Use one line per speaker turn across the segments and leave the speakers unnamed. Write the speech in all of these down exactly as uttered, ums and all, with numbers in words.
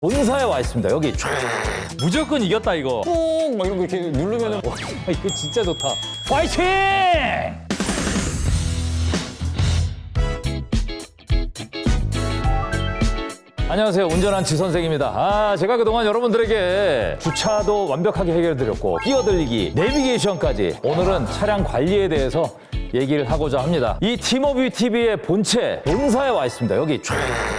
본사에 와 있습니다. 여기 촤. 무조건 이겼다 이거.
뿡! 막 이런 거 이렇게 누르면은
와, 이거 진짜 좋다. 파이팅! 안녕하세요. 운전한 지 선생입니다. 아, 제가 그동안 여러분들에게 주차도 완벽하게 해결드렸고 끼어들리기, 내비게이션까지 오늘은 차량 관리에 대해서 얘기를 하고자 합니다. 이 티모뷰 티비의 본체 본사에 와 있습니다. 여기 촤.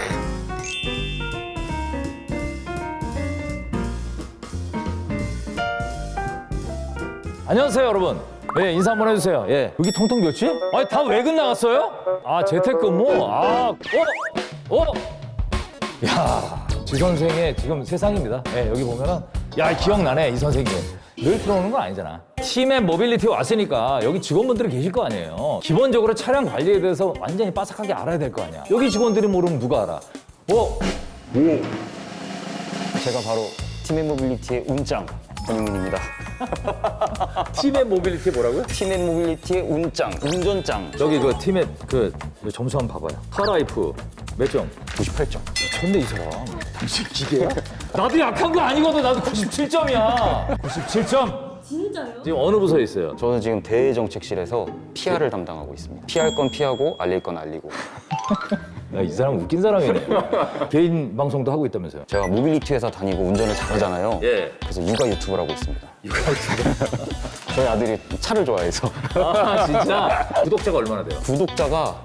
안녕하세요, 여러분. 예, 인사 한번 해주세요. 예. 여기 통통 몇지? 아니, 다 외근 나갔어요? 아, 재택근무? 아, 어? 어? 야, 지 선생의 지금 세상입니다. 예, 여기 보면은, 야, 기억나네, 이 선생님. 늘 들어오는 건 아니잖아. 팀의 모빌리티 왔으니까 여기 직원분들이 계실 거 아니에요. 기본적으로 차량 관리에 대해서 완전히 빠삭하게 알아야 될 거 아니야. 여기 직원들이 모르면 누가 알아? 어?
제가 바로 팀앤모빌리티의 운짱 권영민입니다.
팀의 모빌리티 뭐라고요?
팀앤모빌리티의 운짱, 운전짱.
저기 그 팀의 그 점수 한번 봐봐요. 카라이프 몇 점? 구십팔 점. 미쳤네 이 사람. 당신 기계야? 나도 약한 거 아니거든. 나도 구십칠 점이야. 구십칠 점.
진짜요?
지금 어느 부서에 있어요?
저는 지금 대정책실에서 피알을 담당하고 있습니다. 피할 건 피하고 알릴 건 알리고.
야, 이 사람 웃긴 사람이네. 개인 방송도 하고 있다면서요?
제가 모빌리티 회사 다니고 운전을 잘하잖아요.
예.
그래서 육아 유튜브를 하고 있습니다.
육아 유튜브.
저희 아들이 차를 좋아해서.
아 진짜? 구독자가 얼마나 돼요?
구독자가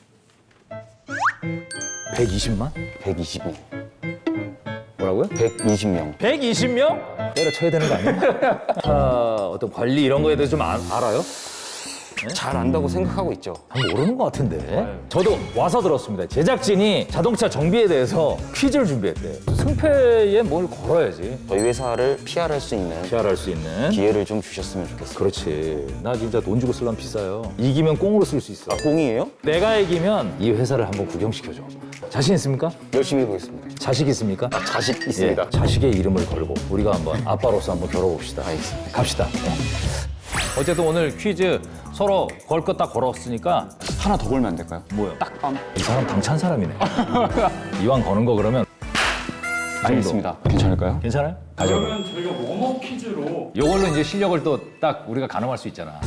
백이십만?
백이십 명.
뭐라고요?
백이십 명.
백이십 명? 때려쳐야 되는 거 아니야? 차 어떤 관리 이런 거에 대해서 좀 아, 알아요?
잘 안다고 생각하고 있죠.
아, 모르는 것 같은데. 저도 와서 들었습니다. 제작진이 자동차 정비에 대해서 퀴즈를 준비했대요. 승패에 뭘 걸어야지.
저희 회사를 피알할 수 있는
피알할 수 있는.
기회를 좀 주셨으면 좋겠어요.
그렇지. 나 진짜 돈 주고 쓰려면 비싸요. 이기면 꽁으로 쓸 수 있어.
아, 공이에요?
내가 이기면 이 회사를 한번 구경시켜줘. 자신 있습니까?
열심히 해보겠습니다.
자식 있습니까?
자식 있습니다.
예, 자식의 이름을 걸고 우리가 한번 아빠로서 한번 겨뤄봅시다.
알겠습니다.
갑시다. 예. 어쨌든 오늘 퀴즈 서로 걸 거 딱 걸었으니까
하나 더 걸면 안 될까요?
뭐요?
딱밤.
이 사람 당찬 사람이네. 이왕 거는 거 그러면
알겠습니다. 괜찮을까요?
괜찮아요? 가져요.
그러면 저희가 웜업 퀴즈로
이걸로 이제 실력을 또 딱 우리가 가늠할 수 있잖아.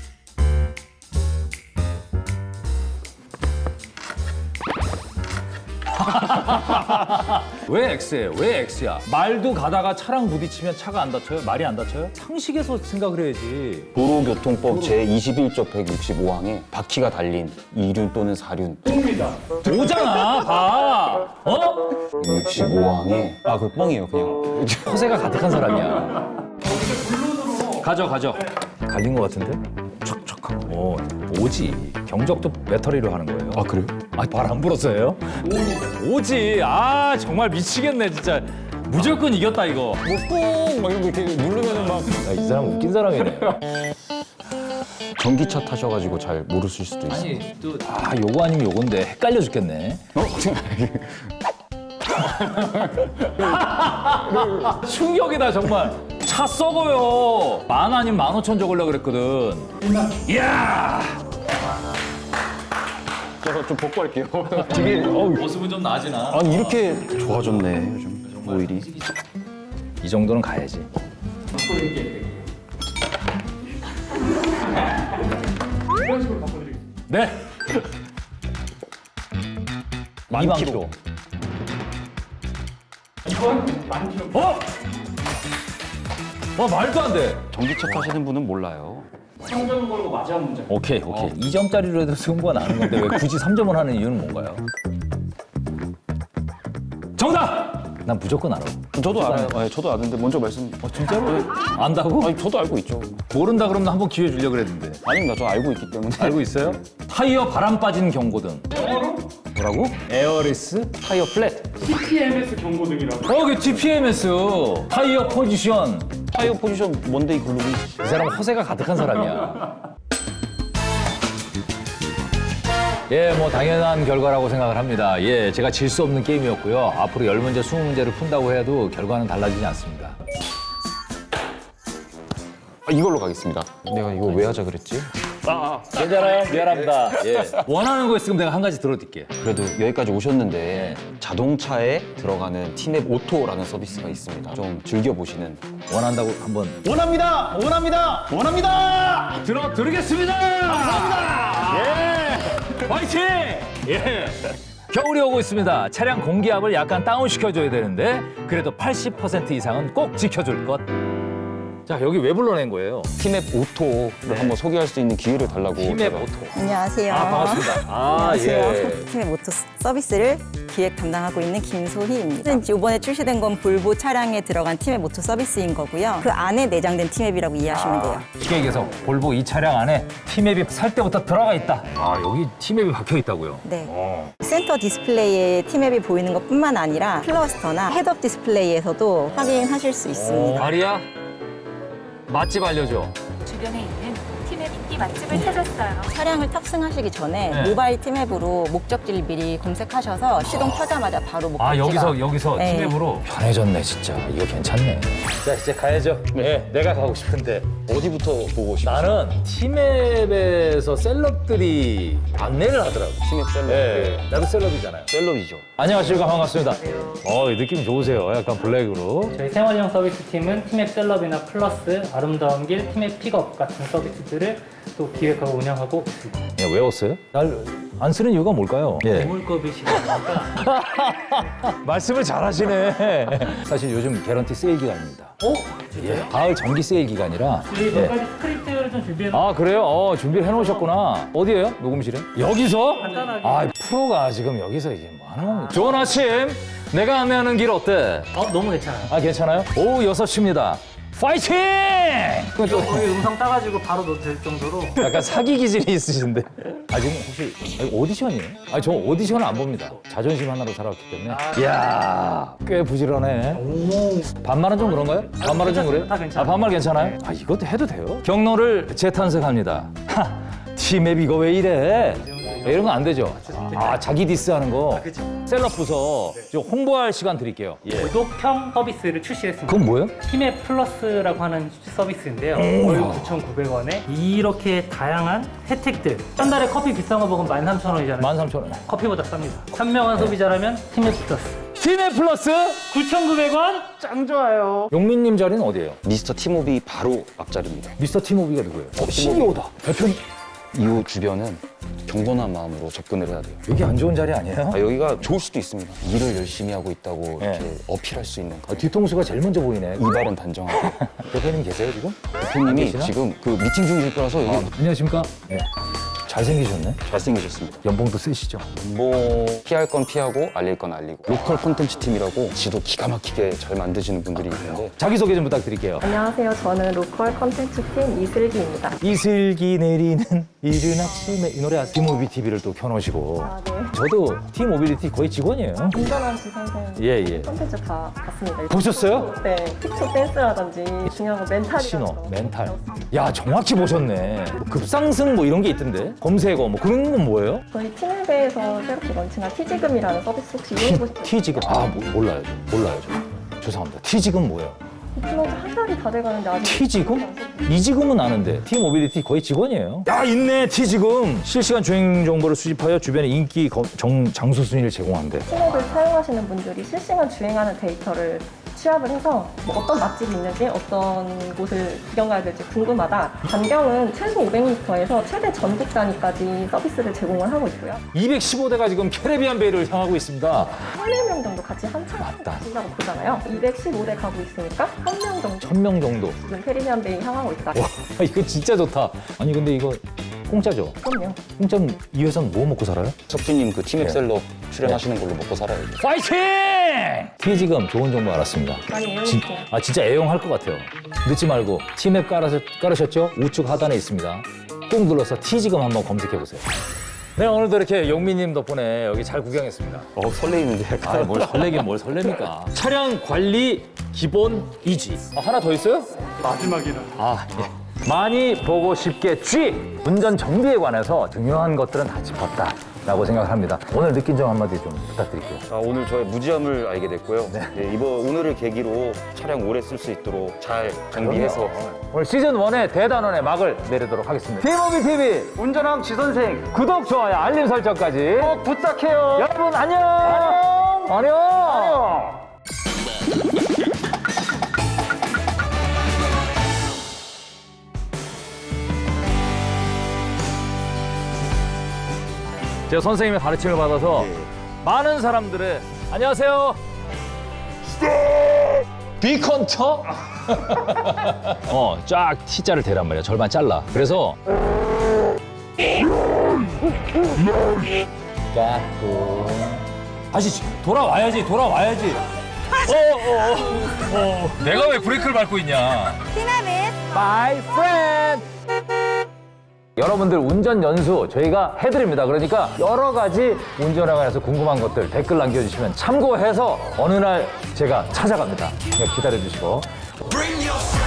왜 X예요? 왜 X야? 말도 가다가 차랑 부딪히면 차가 안 다쳐요? 말이 안 다쳐요? 상식에서 생각을 해야지.
도로교통법 제이십일 조 백육십오 항에 바퀴가 달린 이륜 또는 사륜
뽕입니다.
오잖아, 봐. 어?
백육십오 항에 아, 그 뻥이에요, 그냥.
허세가 가득한 사람이야. 가져, 가져. 갈린 것 같은데? 촉촉하고. 오, 오지. 경적도 배터리로 하는 거예요.
아, 그래요?
아, 발 안 불었어요? 오지. 아, 정말 미치겠네, 진짜. 무조건 이겼다, 이거.
뭐 뻥! 막 이런 거 이렇게 누르면은 막.
야, 이 사람 웃긴 사람이네.
전기차 타셔가지고 잘 모르실 수도 있어요.
아니, 또, 아, 요거 아니면 요건데 헷갈려 죽겠네.
어?
충격이다, 정말. 차 썩어요. 만 아니면 만 오천 적으려고 그랬거든. 이야!
제가 좀 벗고 할게요.
되게, 어우, 모습은 좀 나아지나?
아니, 이렇게 좋아졌네, 요즘. 오일이.
이 정도는 가야지.
이런 식으로 바꿔드리겠습니다.
네.
만
이만
킬로.
킬로.
이건 만 킬로.
어? 와, 말도 안 돼.
전기차 타시는 분은 몰라요.
삼 점 걸고 마지막 문제.
오케이, 오케이. 이 점짜리로 해도 승부가 나는 건데 왜 굳이 삼 점을 하는 이유는 뭔가요? 정답! 난 무조건 알아.
저도 알아요. 네, 저도 아는데 먼저 말씀.
어, 진짜로? 안다고?
아니, 저도 알고 있죠.
모른다 그러면 한번 기회 주려고 그랬는데.
아닙니다. 저 알고 있기 때문에.
알고 있어요? 타이어 바람 빠진 경고등. 뭐라고? 에어리스? 타이어 플랫.
티피엠에스 경고등이라고.
어, 그 티피엠에스. 타이어 포지션.
타이어 포지션 먼데이 글루비.
이 사람 허세가 가득한 사람이야. 예, 뭐 당연한 결과라고 생각을 합니다. 예, 제가 질 수 없는 게임이었고요. 앞으로 열 문제, 스무 문제를 푼다고 해도 결과는 달라지지 않습니다.
아, 이걸로 가겠습니다. 내가 이거 왜 하자 그랬지?
아, 괜찮아요? 미안합니다. 예. 원하는 거 있으면 내가 한 가지 들어드릴게.
그래도 여기까지 오셨는데 자동차에 들어가는 티맵 오토라는 서비스가 있습니다. 좀 즐겨보시는.
원한다고 한번
원합니다! 원합니다! 원합니다!
들어 드리겠습니다. 감사합니다. 예. 화이팅! 예. 겨울이 오고 있습니다. 차량 공기압을 약간 다운 시켜줘야 되는데 그래도 팔십 퍼센트 이상은 꼭 지켜줄 것. 자, 여기 왜 불러낸 거예요?
티맵 오토를 한번 소개할 수 있는 기회를 달라고.
티맵
제가.
오토.
안녕하세요.
아, 반갑습니다. 아,
안녕하세요.
예.
팀의 모터 서비스를 기획 담당하고 있는 김소희입니다. 이번에 출시된 건 볼보 차량에 들어간 팀의 모터 서비스인 거고요. 그 안에 내장된 티맵이라고 이해하시면 돼요.
쉽게 얘기해서 볼보 이 차량 안에 티맵이 살 때부터 들어가 있다. 아, 여기 티맵이 박혀 있다고요?
네.
어.
센터 디스플레이에 티맵이 보이는 것뿐만 아니라 클러스터나 헤드업 디스플레이에서도 확인하실 수 있습니다.
아리야, 맛집 알려줘.
주변에 있는 티맵 인기 맛집을 찾았어요.
차량을 탑승하시기 전에
네.
모바일 티맵으로 목적지를 미리 검색하셔서 시동 켜자마자 바로 목적지가
아, 여기서 여기서
네.
티맵으로 편해졌네, 진짜. 이거 괜찮네. 자, 이제 가야죠. 네, 내가 가고 싶은데.
어디부터 보고 싶으세요?
나는 티맵에서 셀럽들이 안내를 하더라고.
티맵 셀럽.
네, 나도 셀럽이잖아요.
셀럽이죠.
안녕하십니까, 반갑습니다. 어, 이 느낌 좋으세요. 약간 블랙으로.
저희 생활형 서비스 팀은 티맵 셀럽이나 플러스, 아름다운 길, 티맵 픽업 같은 서비스들을 또 기획하고 운영하고 있습니다.
그냥 외웠어요? 날 안 쓰는 이유가 뭘까요? 예.
물컵이시다 보니까
말씀을 잘하시네. 사실 요즘 개런티 세일 기간입니다.
어?
예. 가을 정기 세일 기간이라.
저희
예.
몇 가지 스크립트를 좀 준비해
아, 그래요? 어, 준비를 해놓으셨구나. 어디에요? 녹음실에? 여기서?
간단하게.
아, 프로가 지금 여기서 이게 뭐 하는 겁니까? 좋은 아침. 내가 안내하는 길 어때?
어, 너무 괜찮아요.
아, 괜찮아요? 오후 여섯 시입니다. 파이팅! 그건 또
거기 음성 따가지고 바로 넣어도 될 정도로
약간 사기 기질이 있으신데. 아, 지금 혹시 아니, 오디션이에요? 아, 저 오디션을 안 봅니다. 자존심 하나로 살아왔기 때문에. 이야, 꽤 부지런해.
오.
반말은 좀 그런가요? 반말은 좀 그래요?
다 괜찮아요.
아, 반말 괜찮아요? 아, 이것도 해도 돼요? 경로를 재탄생합니다. 하, 티맵 이거 왜 이래? 이런 거 안 되죠? 아, 자기 디스하는 거.
그쵸.
셀럽 부서 좀 홍보할 시간 드릴게요. 예.
구독형 서비스를 출시했습니다.
그건 뭐예요?
티맵 플러스라고 하는 서비스인데요. 월 구천구백 원에 이렇게 다양한 혜택들. 한 달에 커피 비싼 거 먹으면 만 삼천 원이잖아요.
만 삼천 원.
커피보다 쌉니다. 현명한 소비자라면 티맵 플러스.
티맵 플러스
구천구백 원? 짱 좋아요.
용민님 자리는 어디예요?
미스터 티모비 바로 앞자리입니다.
미스터 티모비가 누구예요? 어, 씨이오다. 대표님.
이후 주변은 경건한 마음으로 접근을 해야 돼요.
여기 안 좋은 자리 아니에요?
아, 여기가 좋을 수도 있습니다. 일을 열심히 하고 있다고
네.
이렇게 어필할 수 있는
아, 뒤통수가 제일 먼저 보이네.
이발은 단정하고.
대표님 계세요 지금?
대표님이
계시나?
지금 그 미팅 중이실 거라서 여기
아, 안녕하십니까? 네. 잘생기셨네.
잘생기셨습니다.
연봉도 세시죠?
뭐 피할 건 피하고 알릴 건 알리고 로컬 콘텐츠 팀이라고 지도 기가 막히게 잘 만드시는 분들이 있는데
자기소개 좀 부탁드릴게요.
안녕하세요. 저는 로컬 컨텐츠 팀 이슬기입니다.
이슬기 내리는 이른 아침에 이 노래 아세요? 티모비 티비를 또 켜놓으시고.
아, 네.
저도 티모빌리티 거의 직원이에요.
운전한 지선생
예, 예.
컨텐츠 다 봤습니다.
보셨어요?
네. 픽처 댄스라든지 중요한 거 멘탈이라든지
신호, 멘탈. 야, 정확히 보셨네. 뭐 급상승 뭐 이런 게 있던데? 검색어 뭐 그런 건 뭐예요?
저희 팀앱에서 새롭게 런칭한 티지금이라는 서비스 혹시 이용해보셨어요?
티지금. 아, 뭐, 몰라요. 저. 몰라요. 저. 죄송합니다. 티지금 뭐예요?
플러스 한 달이 다 돼가는데 아직
티지금? 이지금은 아는데 티모빌리티 거의 직원이에요. 야, 있네, 티지금. 실시간 주행 정보를 수집하여 주변의 인기 거- 정, 장소 순위를 제공한대.
팀앱을 사용하시는 분들이 실시간 주행하는 데이터를 취합을 해서 뭐 어떤 맛집이 있는지 어떤 곳을 구경 가야 될지 궁금하다. 반경은 최소 오백 미터에서 최대 전국 단위까지 서비스를 제공을 하고 있고요.
이백십오 대가 지금 캐리비안 베이를 향하고 있습니다.
천여 명 정도 같이 한참
맞다.
가신다고 보잖아요. 이백십오 대 가고 있으니까 천 명 정도
천 명 정도.
지금 캐리비안 베이 향하고 있다.
와, 이거 진짜 좋다. 아니, 근데 이거 공짜죠?
그럼요.
공짜면 이 회사는 뭐 먹고 살아요?
석준님 그 티맵
네.
셀럽 출연하시는 걸로 먹고 살아야죠.
파이팅! 티지금 좋은 정보 알았습니다.
많이
진,
이용해주세요.
아, 진짜 애용할 것 같아요. 늦지 말고 티맵 깔으셨, 깔으셨죠? 우측 하단에 있습니다. 꾹 눌러서 티지금 한번 검색해 보세요. 네, 오늘도 이렇게 용민님 덕분에 여기 잘 구경했습니다.
어 설레이는데 약간.
아, 뭘 설레긴 뭘 설렙니까? 차량 관리 기본 이지. 아, 하나 더 있어요?
마지막이라.
아, 예. 많이 보고 싶겠지. 운전 정비에 관해서 중요한 것들은 다 짚었다. 라고 생각을 합니다. 오늘 느낀 점 한마디 좀 부탁드릴게요.
아, 오늘 저의 무지함을 알게 됐고요. 네, 이번 오늘을 계기로 차량 오래 쓸 수 있도록 잘 정비해서
오늘 시즌 일의 대단원의 막을 내리도록 하겠습니다. 티모비티비 운전왕 지선생 구독, 좋아요, 알림 설정까지 꼭 부탁해요. 여러분 안녕. 안녕. 안녕. 안녕. 제가 선생님의 가르침을 받아서 많은 사람들의 안녕하세요. 비컨터? 어, 쫙 T자를 대란 말이야. 절반 잘라. 그래서 까꿍. 다시 돌아와야지. 돌아와야지. 어, 어, 어, 어. 내가 왜 브레이크를 밟고 있냐?
티맵은
My friend. 여러분들 운전 연수 저희가 해드립니다. 그러니까 여러 가지 운전에 관해서 궁금한 것들 댓글 남겨주시면 참고해서 어느 날 제가 찾아갑니다. 그냥 기다려주시고.